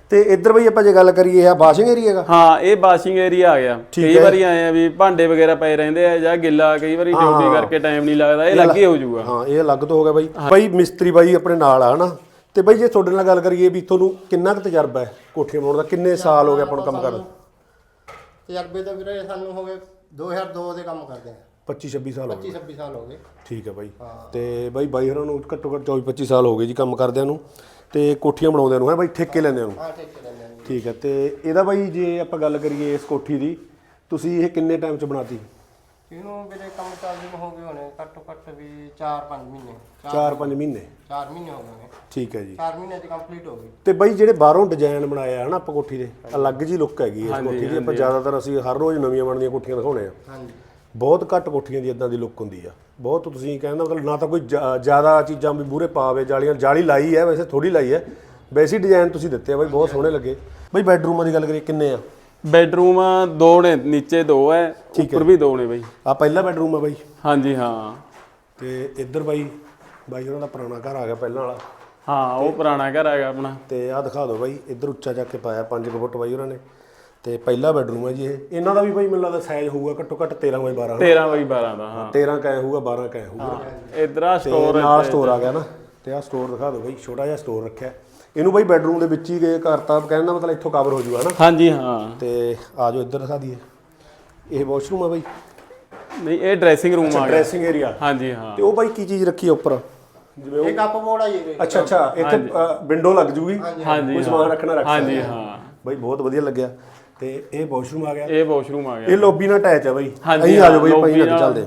S1: ਤੇ ਇੱਧਰ ਬਈ ਆਪਾਂ ਜੇ ਗੱਲ ਕਰੀਏ ਇਹ ਵਾਸ਼ਿੰਗ ਏਰੀਆ ਹੈਗਾ।
S2: ਹਾਂ ਇਹ ਵਾਸ਼ਿੰਗ ਏਰੀਆ ਆ ਗਿਆ। ਕਈ ਵਾਰੀ ਆਏ ਆ ਵੀ ਭਾਂਡੇ ਵਗੈਰਾ ਪਏ ਰਹਿੰਦੇ ਆ ਜਾਂ ਗਿੱਲਾ ਕਈ ਵਾਰੀ ਡਿਊਟੀ ਕਰਕੇ ਟਾਈਮ ਨਹੀਂ ਲੱਗਦਾ, ਇਹ ਲੱਗੇ ਹੋ ਜਾਊਗਾ।
S1: ਹਾਂ ਇਹ ਅਲੱਗ ਤੋਂ ਹੋ ਗਿਆ ਬਾਈ। ਬਾਈ ਮਿਸਤਰੀ ਬਾਈ ਆਪਣੇ ਨਾਲ ਆ ਹਨਾ। ਤੇ ਬਾਈ ਜੇ ਤੁਹਾਡੇ ਨਾਲ ਗੱਲ ਕਰੀਏ ਵੀ ਤੁਹਾਨੂੰ ਕਿੰਨਾ ਕੁ ਤਜਰਬਾ ਹੈ ਕੋਠੀਆਂ ਬਣਾਉਣ ਦਾ, ਕਿੰਨੇ ਸਾਲ ਹੋ ਗਏ ਆਪਾਂ ਨੂੰ ਕੰਮ ਕਰਦੇ?
S3: ਤਜਰਬੇ ਤਾਂ ਵੀਰੇ ਸਾਨੂੰ ਹੋ ਗਏ ਦੋ ਹਜ਼ਾਰ ਦੋ ਦੇ ਕੰਮ ਕਰਦੇ ਆ।
S1: ਪੱਚੀ ਛੱਬੀ ਸਾਲ ਹੋ ਗਏ।
S3: ਪੱਚੀ ਛੱਬੀ ਸਾਲ ਹੋ ਗਏ।
S1: ਠੀਕ ਹੈ ਬਾਈ। ਤੇ ਬਾਈ ਬਾਈ ਹੋਰਾਂ ਨੂੰ ਘੱਟੋ ਘੱਟ ਚੌਵੀ ਪੱਚੀ ਸਾਲ ਹੋ ਗਏ ਜੀ ਕੰਮ ਕਰਦਿਆਂ ਨੂੰ ਤੇ ਕੋਠੀਆਂ ਬਣਾਉਂਦਿਆਂ ਨੂੰ ਹੈ ਬਾਈ, ਠੇਕੇ ਲੈਂਦਿਆਂ ਨੂੰ।
S3: ਹਾਂ ਠੇਕੇ ਲੈਂਦੇ ਆ।
S1: ਠੀਕ ਹੈ। ਤੇ ਇਹਦਾ ਬਾਈ ਜੇ ਆਪਾਂ ਗੱਲ ਕਰੀਏ ਇਸ ਕੋਠੀ ਦੀ, ਤੁਸੀਂ ਇਹ ਕਿੰਨੇ ਟਾਈਮ 'ਚ ਬਣਾਤੀ?
S3: ਇਹਨੂੰ ਵੀਰੇ ਕੰਮ ਚੱਲਦੇ ਨੂੰ ਹੋ ਗਏ ਹੋਣੇ ਘੱਟੋ ਘੱਟ ਵੀ ਚਾਰ ਪੰਜ ਮਹੀਨੇ।
S1: ਚਾਰ ਪੰਜ ਮਹੀਨੇ।
S3: ਚਾਰ ਮਹੀਨੇ ਹੋ ਗਏ ਨੇ।
S1: ਠੀਕ ਹੈ ਜੀ।
S3: ਚਾਰ ਮਹੀਨੇ 'ਚ ਕੰਪਲੀਟ ਹੋ ਗਈ।
S1: ਤੇ ਬਾਈ ਜਿਹੜੇ ਬਾਹਰੋਂ ਡਿਜ਼ਾਈਨ ਬਣਾਇਆ ਹੈ ਨਾ ਆਪਾਂ ਕੋਠੀ ਦੇ, ਅਲੱਗ ਜੀ ਲੁੱਕ ਹੈਗੀ ਇਸ ਕੋਠੀ ਦੀ। ਆਪਾਂ ਜ਼ਿਆਦਾਤਰ ਅਸੀਂ ਹਰ ਰੋਜ਼ ਨਵੀਆਂ ਬਣਦੀਆਂ ਕੋਠੀਆਂ ਦਿਖਾਉਣੇ ਆ।
S3: ਹਾਂਜੀ।
S1: ਬਹੁਤ ਘੱਟ ਕੋਠੀਆਂ ਦੀ ਇਦਾਂ ਦੀ ਲੁੱਕ ਹੁੰਦੀ ਆ। ਬਹੁਤ ਤੁਸੀਂ ਕਹਿੰਦਾ ਮਤਲਬ ਨਾ ਤਾਂ ਕੋਈ ਜ਼ਿਆਦਾ ਚੀਜ਼ਾਂ ਵੀ ਮੂਹਰੇ ਪਾਵੇ, ਜਾਲੀਆਂ ਜਾਲੀ ਲਾਈ ਹੈ ਵੈਸੇ ਥੋੜੀ ਲਾਈ ਹੈ, ਵੈਸੇ ਡਿਜ਼ਾਈਨ ਤੁਸੀਂ ਦਿੱਤੇ ਆ ਬਾਈ, ਬਹੁਤ ਸੋਹਣੇ ਲੱਗੇ ਬਾਈ। ਬੈਡਰੂਮਾਂ ਦੀ ਗੱਲ ਕਰੀਏ ਕਿੰਨੇ ਆ?
S2: ਬੈਡਰੂਮ ਦੋ ਨੇ, ਨੀਚੇ ਦੋ ਹੈ, ਉੱਪਰ ਵੀ ਦੋ ਨੇ ਬਾਈ।
S1: ਆ ਪਹਿਲਾ ਬੈਡਰੂਮ ਆ ਬਾਈ।
S2: ਹਾਂਜੀ ਹਾਂ।
S1: ਤੇ ਇੱਧਰ ਬਾਈ ਬਾਈ ਉਹਨਾਂ ਦਾ ਪੁਰਾਣਾ ਘਰ ਆ ਗਿਆ ਪਹਿਲਾਂ ਵਾਲਾ।
S2: ਹਾਂ ਉਹ ਪੁਰਾਣਾ ਘਰ ਹੈਗਾ ਆਪਣਾ।
S1: ਤੇ ਆਹ ਦਿਖਾ ਦਿਓ ਬਾਈ, ਇੱਧਰ ਉੱਚਾ ਚੱਕ ਕੇ ਪਾਇਆ ਪੰਜ ਕੁ ਫੁੱਟ ਬਾਈ ਉਹਨਾਂ ਨੇ। ਤੇ ਪਹਿਲਾ ਬੈਡਰੂਮ ਹੈ ਜੀ ਇਹ। ਇਹਨਾਂ ਦਾ ਵੀ ਬਾਈ ਮੈਨੂੰ ਲੱਗਦਾ ਸਾਈਜ਼ ਹੋਊਗਾ ਘੱਟੋ ਘੱਟ ਤੇਰਾਂ ਬਾਈ ਬਾਰਾਂ।
S2: ਤੇਰਾਂ ਬਾਈ ਬਾਰਾਂ ਦਾ। ਹਾਂ
S1: ਤੇਰਾਂ ਕੈ ਹੋਊਗਾ, ਬਾਰਾਂ ਕੈ ਹੋਊਗਾ।
S2: ਇਧਰ ਆ ਸਟੋਰ
S1: ਨਾਲ ਸਟੋਰ ਆ ਗਿਆ ਨਾ। ਤੇ ਆਹ ਸਟੋਰ ਦਿਖਾ ਦਿਓ ਬਾਈ, ਛੋਟਾ ਜਿਹਾ ਸਟੋਰ ਰੱਖਿਆ ਇਹਨੂੰ ਬਾਈ। ਬੈਡਰੂਮ ਦੇ ਵਿੱਚ ਹੀ ਗਏ ਕਰਤਾ ਕਹਿੰਦਾ ਮਤਲਬ ਇੱਥੋਂ ਕਵਰ ਹੋ ਜੂਗਾ ਨਾ।
S2: ਹਾਂਜੀ ਹਾਂ।
S1: ਤੇ ਆ ਜਾਓ ਇੱਧਰ ਦਿਖਾ ਦਈਏ, ਇਹ ਵਾਸ਼ਰੂਮ ਆ ਬਾਈ।
S2: ਨਹੀਂ ਇਹ ਡਰੈਸਿੰਗ ਰੂਮ ਆ ਗਿਆ।
S1: Dressing area.
S2: ਹਾਂਜੀ ਹਾਂ।
S1: ਤੇ ਉਹ ਬਾਈ ਕੀ ਚੀਜ਼ ਰੱਖੀ ਆ ਉੱਪਰ?
S3: ਜਿਵੇਂ ਇਹ ਕੱਪ ਬੋਰਡ ਆ ਜੀ।
S1: ਅੱਛਾ ਅੱਛਾ, ਇੱਥੇ ਵਿੰਡੋ ਲੱਗ ਜੂਗੀ,
S2: ਹਾਂਜੀ
S1: ਕੋਈ ਸਮਾਨ ਰੱਖਣਾ ਰੱਖ ਸਕਦੇ।
S2: ਹਾਂਜੀ ਹਾਂ
S1: ਬਾਈ ਬਹੁਤ ਵਧੀਆ ਲੱਗਿਆ। ਤੇ ਇਹ ਵਾਸ਼ਰੂਮ ਆ ਗਿਆ।
S2: ਇਹ ਵਾਸ਼ਰੂਮ ਆ ਗਿਆ।
S1: ਇਹ ਲੌਬੀ ਨਾਲ ਅਟੈਚ ਆ ਬਾਈ।
S2: ਹਾਂਜੀ
S1: ਅਸੀਂ ਆ ਜਾਓ ਬਾਈ, ਆਪਾਂ ਨਾਲ ਚੱਲਦੇ।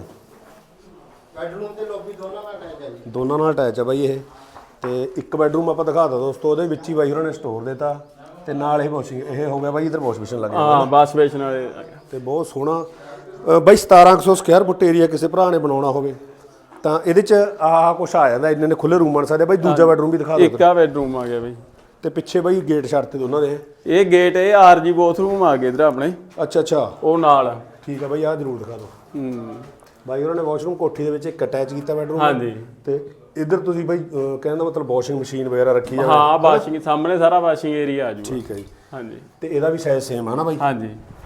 S3: ਬੈਡਰੂਮ ਤੇ ਲੌਬੀ ਦੋਨਾਂ ਨਾਲ ਅਟੈਚ ਹੈ ਜੀ।
S1: ਦੋਨਾਂ ਨਾਲ ਅਟੈਚ ਆ ਬਾਈ ਇਹ। ਤੇ ਇੱਕ ਬੈਡਰੂਮ ਆਪਾਂ ਦਿਖਾਤਾ ਦੋਸਤੋ, ਉਹਦੇ ਵਿੱਚ ਹੀ ਬਾਈ ਉਹਨਾਂ ਨੇ ਸਟੋਰ ਦਿੱਤਾ। ਤੇ ਨਾਲ ਇਹ ਵਾਸ਼ਿੰਗ ਇਹ ਹੋ ਗਿਆ ਬਾਈ, ਇਧਰ ਵਾਸ਼ ਬੇਸਿਨ ਲੱਗ ਗਿਆ।
S2: ਹਾਂ ਵਾਸ਼ ਬੇਸਿਨ ਵਾਲੇ।
S1: ਤੇ ਬਹੁਤ ਸੋਹਣਾ ਬਾਈ। ਸਤਾਰਾਂ ਸੌ ਸਕੁਅਰ ਫੁੱਟ ਏਰੀਆ ਕਿਸੇ ਭਰਾ ਨੇ ਬਣਾਉਣਾ ਹੋਵੇ ਤਾਂ ਇਹਦੇ ਚ ਆਹ ਕੁਛ ਆ ਜਾਂਦਾ। ਇੰਨੇ ਨੇ ਖੁੱਲੇ ਰੂਮ ਬਣ ਸਕਦੇ ਬਾਈ। ਦੂਜਾ ਬੈਡਰੂਮ ਵੀ ਦਿਖਾ ਦਿਓ।
S2: ਇੱਕ ਆ ਬੈਡਰੂਮ ਆ ਗਿਆ ਬਾਈ।
S1: ਤੇ ਪਿੱਛੇ ਬਾਈ ਗੇਟ ਛੱਡਤੇ ਦੋਨਾਂ ਦੇ।
S2: ਇਹ ਗੇਟ ਇਹ ਆਰਜੀ ਬਾਥਰੂਮ ਆ ਗਏ ਇਧਰ ਆਪਣੇ।
S1: ਅੱਛਾ ਅੱਛਾ
S2: ਉਹ ਨਾਲ।
S1: ਠੀਕ ਆ ਬਾਈ, ਆਹ ਜ਼ਰੂਰ ਦਿਖਾ ਦਿਓ।
S2: ਹੂੰ
S1: ਬਾਈ ਉਹਨਾਂ ਨੇ ਵਾਸ਼ਰੂਮ ਕੋਠੀ ਦੇ ਵਿੱਚ ਇੱਕ ਅਟੈਚ ਕੀਤਾ ਬੈਡਰੂਮ।
S2: ਹਾਂਜੀ। ਤੇ
S1: ਇੱਧਰ ਤੁਸੀਂ ਬਾਈ ਕਹਿਣ ਦਾ ਮਤਲਬ ਵਾਸ਼ਿੰਗ ਮਸ਼ੀਨ ਵਗੈਰਾ ਰੱਖੀ ਆ?
S2: ਹਾਂ ਵਾਸ਼ਿੰਗ ਸਾਹਮਣੇ ਸਾਰਾ ਵਾਸ਼ਿੰਗ ਏਰੀਆ ਆ ਜੂਗਾ।
S1: ਠੀਕ ਹੈ ਜੀ।
S2: ਹਾਂਜੀ।
S1: ਤੇ ਇਹਦਾ ਵੀ ਸਾਈਜ਼ ਸੇਮ ਆ ਨਾ ਬਾਈ?
S2: ਹਾਂਜੀ।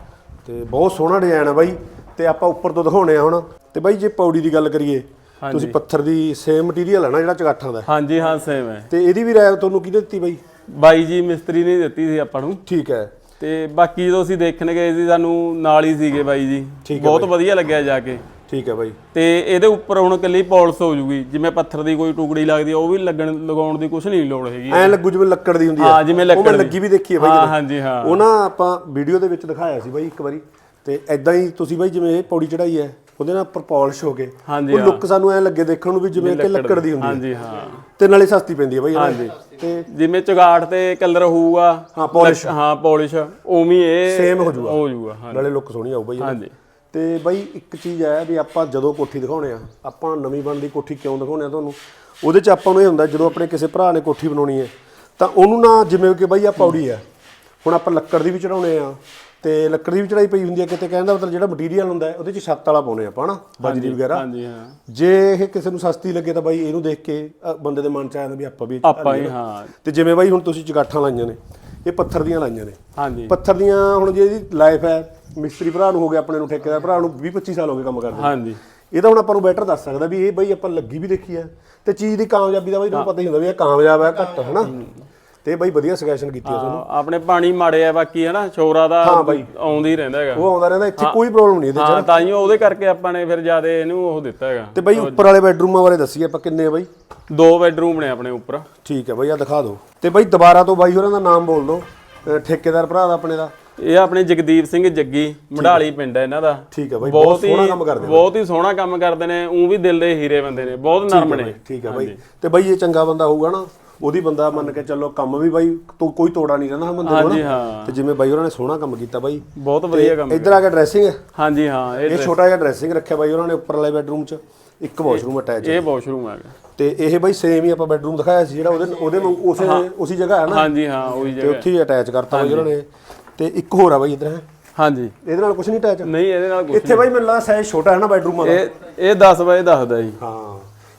S1: ਤੇ ਬਹੁਤ ਸੋਹਣਾ ਡਿਜ਼ਾਈਨ ਆ ਬਾਈ। ਤੇ ਆਪਾਂ ਉੱਪਰ ਤੋਂ ਦਿਖਾਉਣੇ ਆ ਹੁਣ। ਤੇ ਬਾਈ ਜੇ ਪੌੜੀ ਦੀ ਗੱਲ ਕਰੀਏ, ਤੁਸੀਂ ਪੱਥਰ ਦੀ ਸੇਮ ਮਟੀਰੀਅਲ ਹੈ ਨਾ ਜਿਹੜਾ ਚਗਾਠਾਂ ਦਾ?
S2: ਹਾਂਜੀ ਹਾਂ ਸੇਮ ਹੈ।
S1: ਤੇ ਇਹਦੀ ਵੀ ਰਾਇ ਤੁਹਾਨੂੰ ਕਿਹਨੇ ਦਿੱਤੀ ਬਾਈ?
S2: ਬਾਈ ਜੀ ਮਿਸਤਰੀ ਨੇ ਦਿੱਤੀ ਸੀ ਆਪਾਂ ਨੂੰ।
S1: ਠੀਕ ਹੈ।
S2: ਤੇ ਬਾਕੀ ਜਦੋਂ ਅਸੀਂ ਦੇਖਣ ਗਏ ਸੀ ਸਾਨੂੰ ਨਾਲ ਹੀ ਸੀਗੇ ਬਾਈ ਜੀ, ਬਹੁਤ ਵਧੀਆ ਲੱਗਿਆ ਜਾ ਕੇ।
S1: ਠੀਕ ਹੈ ਬਾਈ।
S2: ਤੇ ਇਹਦੇ ਉੱਪਰ ਹੁਣ ਇਕੱਲੀ ਪੌਲਿਸ਼ ਹੋ ਜੂਗੀ, ਜਿਵੇਂ ਪੱਥਰ ਦੀ ਕੋਈ ਟੁਕੜੀ ਲੱਗਦੀ ਆ ਉਹ ਵੀ ਲੱਗਣ ਲਗਾਉਣ ਦੀ ਕੁਝ ਨਹੀਂ ਲੋੜ ਹੈਗੀ।
S1: ਐ ਲੱਗੂ ਜਿਵੇਂ ਲੱਕੜ ਦੀ ਹੁੰਦੀ ਹੈ।
S2: ਹਾਂ ਜਿਵੇਂ ਲੱਕੜ ਦੀ
S1: ਲੱਗੀ ਵੀ ਦੇਖੀ ਹੈ ਬਾਈ।
S2: ਹਾਂ ਹਾਂਜੀ ਹਾਂ।
S1: ਉਹ ਨਾ ਆਪਾਂ ਵੀਡੀਓ ਦੇ ਵਿੱਚ ਦਿਖਾਇਆ ਸੀ ਬਾਈ ਇੱਕ ਵਾਰੀ। ਤੇ ਐਦਾਂ ਹੀ ਤੁਸੀਂ ਬਾਈ ਜਿਵੇਂ ਇਹ ਪੌੜੀ ਚੜਾਈ ਹੈ ਉਹਦੇ ਨਾਲ ਉੱਪਰ ਪਾਲਿਸ਼ ਹੋ ਗਏ, ਉਹ ਲੁੱਕ ਸਾਨੂੰ ਐ ਲੱਗੇ ਦੇਖਣ ਨੂੰ ਵੀ ਜਿਵੇਂ ਕਿ ਲੱਕੜ ਦੀ ਹੁੰਦੀ ਹੈ।
S2: ਹਾਂਜੀ ਹਾਂ।
S1: ਤੇ ਨਾਲੇ ਸਸਤੀ ਪੈਂਦੀ ਹੈ ਬਾਈ।
S2: ਹਾਂਜੀ।
S1: ਤੇ
S2: ਜਿਵੇਂ ਚੁਗਾੜ ਤੇ ਕਲਰ ਹੋਊਗਾ
S1: ਹਾਂ ਪਾਲਿਸ਼,
S2: ਹਾਂ ਪਾਲਿਸ਼ ਉਵੇਂ ਇਹ
S1: ਸੇਮ ਹੋ ਜਾਊਗਾ।
S2: ਹੋ ਜਾਊਗਾ
S1: ਨਾਲੇ ਲੁੱਕ ਸੋਹਣੀ ਆਊ ਬਾਈ।
S2: ਹਾਂਜੀ।
S1: ਤੇ ਬਾਈ ਇੱਕ ਚੀਜ਼ ਹੈ ਵੀ ਆਪਾਂ ਜਦੋਂ ਕੋਠੀ ਦਿਖਾਉਣੇ ਆ, ਆਪਾਂ ਨਵੀਂ ਬਣਦੀ ਕੋਠੀ ਕਿਉਂ ਦਿਖਾਉਣੇ ਆ ਤੁਹਾਨੂੰ, ਉਹਦੇ 'ਚ ਆਪਾਂ ਨੂੰ ਇਹ ਹੁੰਦਾ ਜਦੋਂ ਆਪਣੇ ਕਿਸੇ ਭਰਾ ਨੇ ਕੋਠੀ ਬਣਾਉਣੀ ਹੈ ਤਾਂ ਉਹਨੂੰ ਨਾ ਜਿਵੇਂ ਕਿ ਬਾਈ ਆ ਪੌੜੀ ਆ, ਹੁਣ ਆਪਾਂ ਲੱਕੜ ਦੀ ਵੀ ਚੜਾਉਣੇ ਆ ਤੇ ਲੱਕੜ ਦੀ ਵੀ ਚੜਾਈ ਪਈ ਹੁੰਦੀ ਹੈ ਕਿਤੇ, ਕਹਿੰਦਾ ਮਤਲਬ ਜਿਹੜਾ ਮਟੀਰੀਅਲ ਹੁੰਦਾ ਉਹਦੇ 'ਚ ਛੱਤ ਵਾਲਾ ਪਾਉਣੇ ਆਪਾਂ ਨਾ, ਬਜਰੀ ਵਗੈਰਾ।
S2: ਹਾਂਜੀ ਹਾਂ।
S1: ਜੇ ਇਹ ਕਿਸੇ ਨੂੰ ਸਸਤੀ ਲੱਗੇ ਤਾਂ ਬਾਈ ਇਹਨੂੰ ਦੇਖ ਕੇ ਬੰਦੇ ਦੇ ਮਨ 'ਚ ਆ ਜਾਂਦਾ ਵੀ ਆਪਾਂ ਵੀ
S2: ਆਪਾਂ ਹੀ। ਹਾਂ।
S1: ਤੇ ਜਿਵੇਂ ਬਾਈ ਹੁਣ ਤੁਸੀਂ ਚਗਾਠਾਂ ਲਾਈਆਂ ਨੇ, ਇਹ ਪੱਥਰ ਦੀਆਂ ਲਾਈਆਂ ਨੇ।
S2: ਹਾਂਜੀ।
S1: ਪੱਥਰ ਦੀਆਂ ਹੁਣ ਜੇ ਇਹਦੀ ਲਾਈਫ ਹੈ, ਮਿਸਤਰੀ ਭਰਾ ਨੂੰ ਹੋ ਗਿਆ ਆਪਣੇ ਨੂੰ, ਠੇਕੇਦਾਰ ਭਰਾ ਨੂੰ ਵੀਹ ਪੱਚੀ ਸਾਲ ਹੋ ਗਏ ਕੰਮ ਕਰਦੇ।
S2: ਹਾਂਜੀ।
S1: ਇਹ ਤਾਂ ਹੁਣ ਆਪਾਂ ਨੂੰ ਬੈਟਰ ਦੱਸ ਸਕਦਾ ਵੀ ਇਹ ਬਾਈ ਆਪਾਂ ਲੱਗੀ ਵੀ ਦੇਖੀ ਹੈ ਤੇ ਚੀਜ਼ ਦੀ ਕਾਮਯਾਬੀ ਦਾ ਬਾਈ ਤੁਹਾਨੂੰ ਪਤਾ ਹੀ ਹੁੰਦਾ ਵੀ ਇਹ ਕਾਮਯਾਬ ਹੈ ਘੱਟ ਹਨਾ। ਤੇ ਬਾਈ ਵਧੀਆ ਸੁਜੈਸ਼ਨ ਕੀਤੀ ਹੈ ਤੁਹਾਨੂੰ।
S2: ਆਪਣੇ ਪਾਣੀ ਮਾੜੇ ਆ ਬਾਕੀ ਹਨਾ, ਸ਼ੋਰਾ ਦਾ ਆਉਂਦਾ ਹੀ ਰਹਿੰਦਾ ਹੈਗਾ,
S1: ਉਹ ਆਉਂਦਾ ਰਹਿੰਦਾ, ਇੱਥੇ ਕੋਈ ਪ੍ਰੋਬਲਮ ਨਹੀਂ ਇਹਦੇ 'ਚ।
S2: ਹਾਂ ਤਾਂ ਹੀ ਉਹਦੇ ਕਰਕੇ ਆਪਾਂ ਨੇ ਫਿਰ ਜਿਆਦਾ ਇਹਨੂੰ ਉਹ ਦਿੱਤਾ ਹੈਗਾ।
S1: ਤੇ ਬਾਈ ਉੱਪਰ ਵਾਲੇ ਬੈਡਰੂਮਾਂ ਬਾਰੇ ਦੱਸੀਏ ਆਪਾਂ ਕਿੰਨੇ ਆ ਬਾਈ?
S2: ਦੋ ਬੈਡਰੂਮ ਨੇ ਆਪਣੇ ਉੱਪਰ।
S1: ਠੀਕ ਹੈ ਬਾਈ, ਆ ਦਿਖਾ ਦਿਓ। ਤੇ ਬਾਈ ਦੁਬਾਰਾ ਤੋਂ ਬਾਈ ਹੋਰਾਂ ਦਾ ਨਾਮ ਬੋਲ ਦਿਓ, ਠੇਕੇਦਾਰ ਭਰਾ ਦਾ ਆਪਣੇ ਦਾ।
S2: ਇਹ ਆਪਣੇ ਜਗਦੀਪ ਸਿੰਘ ਜੱਗੀ, ਮਢਾਲੀ ਪਿੰਡ ਹੈ ਇਹਨਾਂ ਦਾ।
S1: ਠੀਕ ਹੈ ਬਾਈ, ਬਹੁਤ ਸੋਹਣਾ ਕੰਮ ਕਰਦੇ ਨੇ।
S2: ਬਹੁਤ ਹੀ ਸੋਹਣਾ ਕੰਮ ਕਰਦੇ ਨੇ, ਉਹ ਵੀ ਦਿਲ ਦੇ ਹੀਰੇ ਬੰਦੇ ਨੇ, ਬਹੁਤ ਨਰਮ ਨੇ।
S1: ਠੀਕ ਹੈ ਬਾਈ। ਤੇ ਬਾਈ ਇਹ ਚੰਗਾ ਬੰਦਾ ਹੋਊਗਾ ਨਾ, ਉਹਦੀ ਬੰਦਾ ਮੰਨ ਕੇ ਚੱਲੋ ਕੰਮ ਵੀ ਬਾਈ ਕੋਈ ਤੋੜਾ ਨਹੀਂ ਰਹਿੰਦਾ ਬੰਦੇ ਨੂੰ ਨਾ। ਤੇ ਜਿਵੇਂ ਬਾਈ ਉਹਨਾਂ ਨੇ ਸੋਹਣਾ ਕੰਮ ਕੀਤਾ ਬਾਈ,
S2: ਬਹੁਤ ਵਧੀਆ ਕੰਮ।
S1: ਇੱਧਰ ਆ ਕੇ ਡਰੈਸਿੰਗ ਹੈ।
S2: ਹਾਂਜੀ ਹਾਂ।
S1: ਇਹ ਛੋਟਾ ਜਿਹਾ ਡਰੈਸਿੰਗ ਰੱਖਿਆ ਬਾਈ ਉਹਨਾਂ ਨੇ ਉੱਪਰ ਵਾਲੇ ਬੈਡਰੂਮ 'ਚ, ਇੱਕ ਵਾਸ਼ਰੂਮ ਅਟੈਚ।
S2: ਇਹ ਵਾਸ਼ਰੂਮ ਹੈਗਾ।
S1: ਤੇ ਇਹ ਬਾਈ ਸੇਮ ਹੀ ਆਪਾਂ ਬੈਡਰੂਮ ਦਿਖਾਇਆ ਸੀ ਜਿਹੜਾ ਉਹਦੇ ਉਹਦੇ ਉਸੇ ਉਸੇ ਜਗ੍ਹਾ ਹੈ ਨਾ।
S2: ਹਾਂਜੀ ਹਾਂ ਉਹੀ ਜਗ੍ਹਾ।
S1: ਤੇ ਉੱਥੇ ਹੀ ਅਟੈਚ ਕਰਤਾ ਬਾਈ ਉਹਨਾਂ ਨੇ। ਤੇ ਇੱਕ ਹੋਰ ਆ ਬਾਈ ਇੱਧਰ ਹੈ।
S2: ਹਾਂਜੀ।
S1: ਇਹਦੇ ਨਾਲ ਕੁਝ ਨਹੀਂ ਅਟੈਚ?
S2: ਨਹੀਂ ਇਹਦੇ ਨਾਲ ਕੁਝ।
S1: ਇੱਥੇ ਬਾਈ ਮੈਨੂੰ ਲੱਗਦਾ ਸਾਈਜ਼ ਛੋਟਾ ਹੈ ਨਾ ਬੈਡਰੂਮਾਂ ਦਾ।
S2: ਇਹ ਇਹ ਦਸ ਬਾਏ ਦਸ ਦਾ ਜੀ।
S1: ਹਾਂ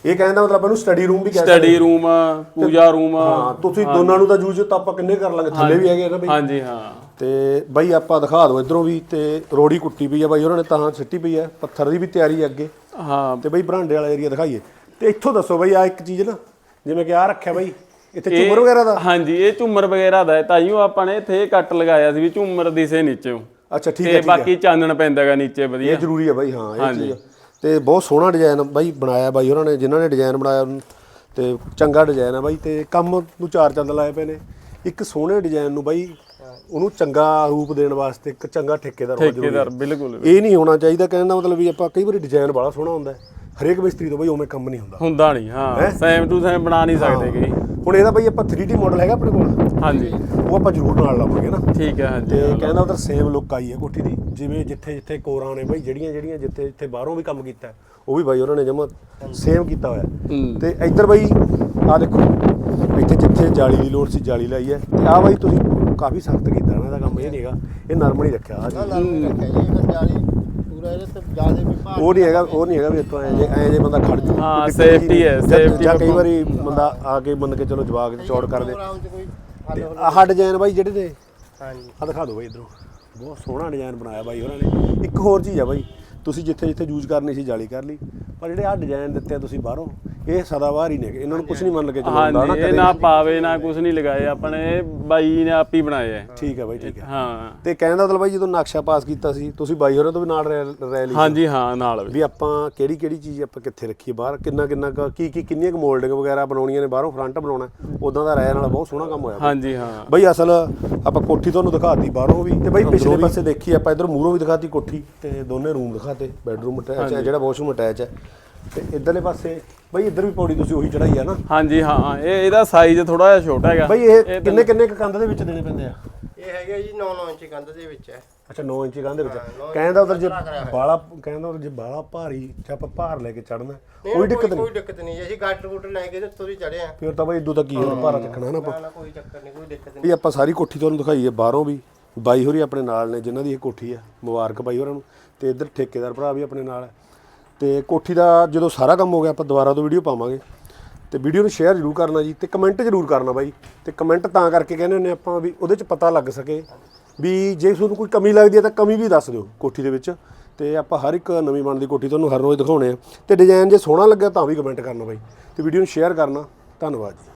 S1: ਇਹ ਕਹਿੰਦਾ ਮਤਲਬ ਇਹਨੂੰ ਸਟੱਡੀ ਰੂਮ ਵੀ ਕਹਿ
S2: ਸਟੱਡੀ ਰੂਮ ਪੂਜਾ ਰੂਮ
S1: ਹਾਂ ਤੁਸੀਂ ਦੋਨਾਂ ਨੂੰ ਤਾਂ ਯੂਜ਼ ਤਾਂ ਆਪਾਂ ਕਿੰਨੇ ਕਰ ਲਾਂਗੇ ਥੱਲੇ ਵੀ ਹੈਗੇ ਨਾ ਬਈ
S2: ਹਾਂਜੀ ਹਾਂ
S1: ਤੇ ਬਾਈ ਆਪਾਂ ਦਿਖਾ ਦਿਓ ਇਧਰੋਂ ਵੀ ਤੇ ਰੋੜੀ ਕੁੱਟੀ ਪਈ ਆ ਬਾਈ ਉਹਨਾਂ ਨੇ ਤਾਂ ਸਿੱਟੀ ਪਈ ਆ ਪੱਥਰ ਦੀ ਵੀ ਤਿਆਰੀ ਹੈ ਅੱਗੇ
S2: ਹਾਂ
S1: ਤੇ ਬਾਈ ਬਰਾਂਡੇ ਵਾਲਾ ਏਰੀਆ ਦਿਖਾਈਏ ਤੇ ਇੱਥੋਂ ਦੱਸੋ ਬਾਈ ਆ ਇੱਕ ਚੀਜ਼ ਨਾ ਜਿਵੇਂ ਕਿ ਆ ਰੱਖਿਆ ਬਾਈ ਇੱਥੇ ਝੂਮਰ ਵਗੈਰਾ ਦਾ
S2: ਹਾਂਜੀ ਇਹ ਝੂਮਰ ਵਗੈਰਾ ਦਾ ਤਾਈਓ ਆਪਾਂ ਨੇ ਇੱਥੇ ਕੱਟ ਲਗਾਇਆ ਸੀ ਵੀ ਝੂਮਰ ਦਿਸੇ ਨੀਚੇ
S1: ਅੱਛਾ ਠੀਕ ਹੈ
S2: ਤੇ ਬਾਕੀ ਚਾਨਣ ਪੈਂਦਾਗਾ ਨੀਚੇ ਵਧੀਆ
S1: ਇਹ ਜ਼ਰੂਰੀ ਹੈ ਬਾਈ ਹਾਂ ਇਹ ਚੀਜ਼ ਤੇ ਬਹੁਤ ਸੋਹਣਾ ਡਿਜ਼ਾਈਨ ਬਾਈ ਬਣਾਇਆ ਬਾਈ ਉਹਨਾਂ ਨੇ ਜਿਨ੍ਹਾਂ ਨੇ ਡਿਜ਼ਾਈਨ ਬਣਾਇਆ ਤੇ ਚੰਗਾ ਡਿਜ਼ਾਈਨ ਹੈ ਬਾਈ ਤੇ ਕੰਮ ਨੂੰ ਚਾਰ ਚੰਦ ਲਾਏ ਪਏ ਨੇ ਇੱਕ ਸੋਹਣੇ ਡਿਜ਼ਾਈਨ ਨੂੰ ਬਾਈ ਉਹਨੂੰ ਚੰਗਾ ਰੂਪ ਦੇਣ ਵਾਸਤੇ ਇੱਕ ਚੰਗਾ ਠੇਕੇਦਾਰ ਹੋਣਾ ਜ਼ਰੂਰੀ
S2: ਠੇਕੇਦਾਰ ਬਿਲਕੁਲ
S1: ਇਹ ਨਹੀਂ ਹੋਣਾ ਚਾਹੀਦਾ ਕਹਿਣ ਦਾ ਮਤਲਬ ਵੀ ਆਪਾਂ ਕਈ ਵਾਰੀ ਡਿਜ਼ਾਈਨ ਬੜਾ ਸੋਹਣਾ ਹੁੰਦਾ ਹਰੇਕ ਮਿਸਤਰੀ ਤੋਂ ਬਾਈ ਉਵੇਂ ਕੰਮ ਨਹੀਂ ਹੁੰਦਾ
S2: ਹੁੰਦਾ ਨਹੀਂ ਹਾਂ ਸੇਮ ਟੂ ਸੇਮ ਬਣਾ ਨਹੀਂ ਸਕਦੇ ਕਿ
S1: ਹੁਣ ਇਹਦਾ ਬਾਈ ਆਪਾਂ ਥ੍ਰੀ ਡੀ ਮਾਡਲ ਹੈਗਾ ਆਪਣੇ ਕੋਲ
S2: ਹਾਂਜੀ
S1: ਉਹ ਆਪਾਂ ਜ਼ਰੂਰ ਨਾਲ ਲਾਵਾਂਗੇ ਨਾ
S2: ਠੀਕ ਹੈ ਹਾਂਜੀ
S1: ਤੇ ਕਹਿੰਦਾ ਉਧਰ ਸੇਮ ਲੁੱਕ ਆਈ ਹੈ ਕੋਠੀ ਦੀ ਜਿਵੇਂ ਜਿੱਥੇ ਜਿੱਥੇ ਕੋਰਾਂ ਨੇ ਬਾਈ ਜਿਹੜੀਆਂ ਜਿਹੜੀਆਂ ਜਿੱਥੇ ਜਿੱਥੇ ਬਾਹਰੋਂ ਵੀ ਕੰਮ ਕੀਤਾ ਉਹ ਵੀ ਬਾਈ ਉਹਨਾਂ ਨੇ ਜਮਾ ਸੇਮ ਕੀਤਾ ਹੋਇਆ ਤੇ ਇੱਧਰ ਬਾਈ ਆ ਦੇਖੋ ਇੱਥੇ ਜਿੱਥੇ ਜਾਲੀ ਦੀ ਲੋੜ ਸੀ ਜਾਲੀ ਲਾਈ ਹੈ ਤੇ ਆ ਬਾਈ ਤੁਸੀਂ ਕਾਫੀ ਸਖਤ ਕੀਤਾ ਇਹਨਾਂ ਦਾ ਕੰਮ ਇਹ ਨਹੀਂਗਾ ਇਹ ਨਰਮ ਨਹੀਂ ਰੱਖਿਆ ਆ ਉਹ ਨਹੀਂ ਹੈਗਾ ਉਹ ਨਹੀਂ ਹੈਗਾ ਵੀ ਇੱਥੋਂ ਐ ਜੇ ਐ ਜੇ ਬੰਦਾ ਖੜ ਜੂ
S2: ਹਾਂ ਸੇਫਟੀ ਹੈ ਸੇਫਟੀ
S1: ਜਾਂ ਕਈ ਵਾਰੀ ਬੰਦਾ ਆ ਕੇ ਮੰਨ ਕੇ ਚਲੋ ਜਵਾਕ ਚੌੜ ਕਰਦੇ ਆਹ ਡਿਜ਼ਾਈਨ ਬਾਈ ਜਿਹੜੇ ਨੇ
S3: ਹਾਂਜੀ
S1: ਆ ਦਿਖਾ ਦਿਓ ਬਾਈ ਇਧਰੋਂ ਬਹੁਤ ਸੋਹਣਾ ਡਿਜ਼ਾਈਨ ਬਣਾਇਆ ਬਾਈ ਉਹਨਾਂ ਨੇ ਇੱਕ ਹੋਰ ਚੀਜ਼ ਆ ਬਾਈ ਤੁਸੀਂ ਜਿੱਥੇ ਜਿੱਥੇ ਯੂਜ਼ ਕਰਨੀ ਸੀ ਜਾਲੀ ਕਰ ਲਈ ਪਰ ਜਿਹੜੇ ਆ ਡਿਜ਼ਾਈਨ ਦਿੱਤੇ ਆ ਤੁਸੀਂ ਬਾਹਰੋਂ ਇਹ ਸਦਾਬਾਹਰ ਹੀ ਨੇ ਇਹਨਾਂ ਨੂੰ ਕੁਝ ਨਹੀਂ ਮੰਨ ਕੇ ਚੱਲਦਾ
S2: ਹਾਂਜੀ ਇਹ ਨਾ ਪਾਵੇ ਨਾ ਕੁਝ ਨਹੀਂ ਲਗਾਏ ਆਪਣੇ ਬਾਈ ਨੇ ਆਪ ਹੀ ਬਣਾਏ ਆ
S1: ਠੀਕ ਹੈ ਬਾਈ ਠੀਕ ਹੈ
S2: ਹਾਂ
S1: ਤੇ ਕਹਿਣ ਦਾ ਮਤਲਬ ਬਾਈ ਜਦੋਂ ਨਕਸ਼ਾ ਪਾਸ ਕੀਤਾ ਸੀ ਤੁਸੀਂ ਬਾਈ ਹੋਰਾਂ ਤੋਂ ਵੀ ਨਾਲ ਰਹਿ ਲਈ
S2: ਹਾਂਜੀ ਹਾਂ ਨਾਲ
S1: ਵੀ ਆਪਾਂ ਕਿਹੜੀ ਕਿਹੜੀ ਚੀਜ਼ ਆਪਾਂ ਕਿੱਥੇ ਰੱਖੀਏ ਬਾਹਰ ਕਿੰਨਾ ਕਿੰਨਾ ਕੀ ਕੀ ਕਿੰਨੀਆਂ ਕੁ ਮੋਲਡਿੰਗ ਵਗੈਰਾ ਬਣਾਉਣੀਆਂ ਨੇ ਬਾਹਰੋਂ ਫਰੰਟ ਬਣਾਉਣਾ ਉਦਾਂ ਦਾ ਰਾਇ ਨਾਲ ਬਹੁਤ ਸੋਹਣਾ ਕੰਮ ਹੋਇਆ
S2: ਹਾਂਜੀ ਹਾਂ
S1: ਬਾਈ ਅਸਲ ਆਪਾਂ ਕੋਠੀ ਤੁਹਾਨੂੰ ਦਿਖਾਤੀ ਬਾਹਰੋਂ ਵੀ ਤੇ ਬਾਈ ਪਿਛਲੇ ਪਾਸੇ ਦੇਖੀ ਆਪਾਂ ਇਧਰ ਮੂਹਰੋਂ ਵੀ ਦਿਖਾਤੀ ਕੋਠੀ ਤੇ ਦੋਨੇ ਰੂਮ ਦਿਖਾਤੇ ਬੈਡਰੂਮ ਅਟੈਚ ਹੈ ਜਿਹੜਾ ਵਾਸ਼ਰੂਮ ਅਟੈਚ ਹੈ ਤੇ ਇਧਰਲੇ ਪਾਸੇ ਬਾਈ ਇੱਧਰ ਵੀ ਪੌੜੀ ਤੁਸੀਂ ਉਹੀ ਚੜਾਈ ਆ ਨਾ
S2: ਹਾਂਜੀ ਹਾਂ ਇਹ ਇਹਦਾ ਸਾਈਜ਼ ਥੋੜਾ ਜਿਹਾ ਛੋਟਾ ਹੈਗਾ
S1: ਬਾਈ ਇਹ ਕਿੰਨੇ ਕਿੰਨੇ ਕੰਧ ਦੇ ਵਿੱਚ ਦੇਣੇ ਪੈਂਦੇ ਆ
S3: ਇਹ ਹੈਗਾ ਜੀ ਨੌ ਨੌ ਇੰਚ ਕੰਧ ਦੇ ਵਿੱਚ ਹੈ
S1: ਅੱਛਾ ਨੌ ਇੰਚੀ ਕੰਧ ਦੇ ਵਿੱਚ ਕਹਿੰਦਾ ਉਧਰ ਜੇ ਬਾਲਾ ਕਹਿੰਦਾ ਉਧਰ ਜੇ ਬਾਲਾ ਭਾਰੀ ਜੇ ਆਪਾਂ ਭਾਰ ਲੈ ਕੇ ਚੜਨਾ ਕੋਈ ਦਿੱਕਤ ਨਹੀਂ
S3: ਕੋਈ ਦਿੱਕਤ ਨਹੀਂ ਅਸੀਂ ਗਾਟਰ ਗੂਟਰ ਲੈ ਕੇ ਉੱਤੋਂ ਦੀ ਚੜੇ ਆ
S1: ਫਿਰ ਤਾਂ ਬਾਈ ਇਦੋਂ ਤੱਕ ਕੀ ਹੋਰ ਭਾਰਾ ਚੱਕਣਾ ਨਾ ਆਪਾਂ
S3: ਨਾ ਕੋਈ ਚੱਕਰ ਨਹੀਂ ਕੋਈ ਦਿੱਕਤ
S1: ਵੀ ਆਪਾਂ ਸਾਰੀ ਕੋਠੀ ਤੁਹਾਨੂੰ ਦਿਖਾਈਏ ਬਾਹਰੋਂ ਵੀ ਬਾਈ ਹੋਰੀ ਆਪਣੇ ਨਾਲ ਨੇ ਜਿਨ੍ਹਾਂ ਦੀ ਇਹ ਕੋਠੀ ਆ ਮੁਬਾਰਕ ਬਾਈ ਹੋਰਾਂ ਨੂੰ ਤੇ ਇੱਧਰ ਠੇਕੇਦਾਰ ਭਰਾ ਵੀ ਆਪਣੇ ਨਾਲ ਹੈ ਤੇ ਕੋਠੀ ਦਾ ਜਦੋਂ ਸਾਰਾ ਕੰਮ ਹੋ ਗਿਆ ਆਪਾਂ ਦੁਬਾਰਾ ਤੋਂ ਵੀਡੀਓ ਪਾਵਾਂਗੇ ਤੇ ਵੀਡੀਓ ਨੂੰ ਸ਼ੇਅਰ ਜ਼ਰੂਰ ਕਰਨਾ ਜੀ ਤੇ ਕਮੈਂਟ ਜ਼ਰੂਰ ਕਰਨਾ ਬਾਈ ਤੇ ਕਮੈਂਟ ਤਾਂ ਕਰਕੇ ਕਹਿੰਦੇ ਹੁੰਦੇ ਆਪਾਂ ਵੀ ਉਹਦੇ 'ਚ ਪਤਾ ਲੱਗ ਸਕੇ ਵੀ ਜੇ ਤੁਹਾਨੂੰ ਕੋਈ ਕਮੀ ਲੱਗਦੀ ਹੈ ਤਾਂ ਕਮੀ ਵੀ ਦੱਸ ਦਿਓ ਕੋਠੀ ਦੇ ਵਿੱਚ ਤੇ ਆਪਾਂ ਹਰ ਇੱਕ ਨਵੀਂ ਬਣਦੀ ਕੋਠੀ ਤੁਹਾਨੂੰ ਹਰ ਰੋਜ਼ ਦਿਖਾਉਣੇ ਆ ਤੇ ਡਿਜ਼ਾਈਨ ਜੇ ਸੋਹਣਾ ਲੱਗਿਆ ਤਾਂ ਵੀ ਕਮੈਂਟ ਕਰਨਾ ਬਾਈ ਤੇ ਵੀਡੀਓ ਨੂੰ ਸ਼ੇਅਰ ਕਰਨਾ ਧੰਨਵਾਦ ਜੀ।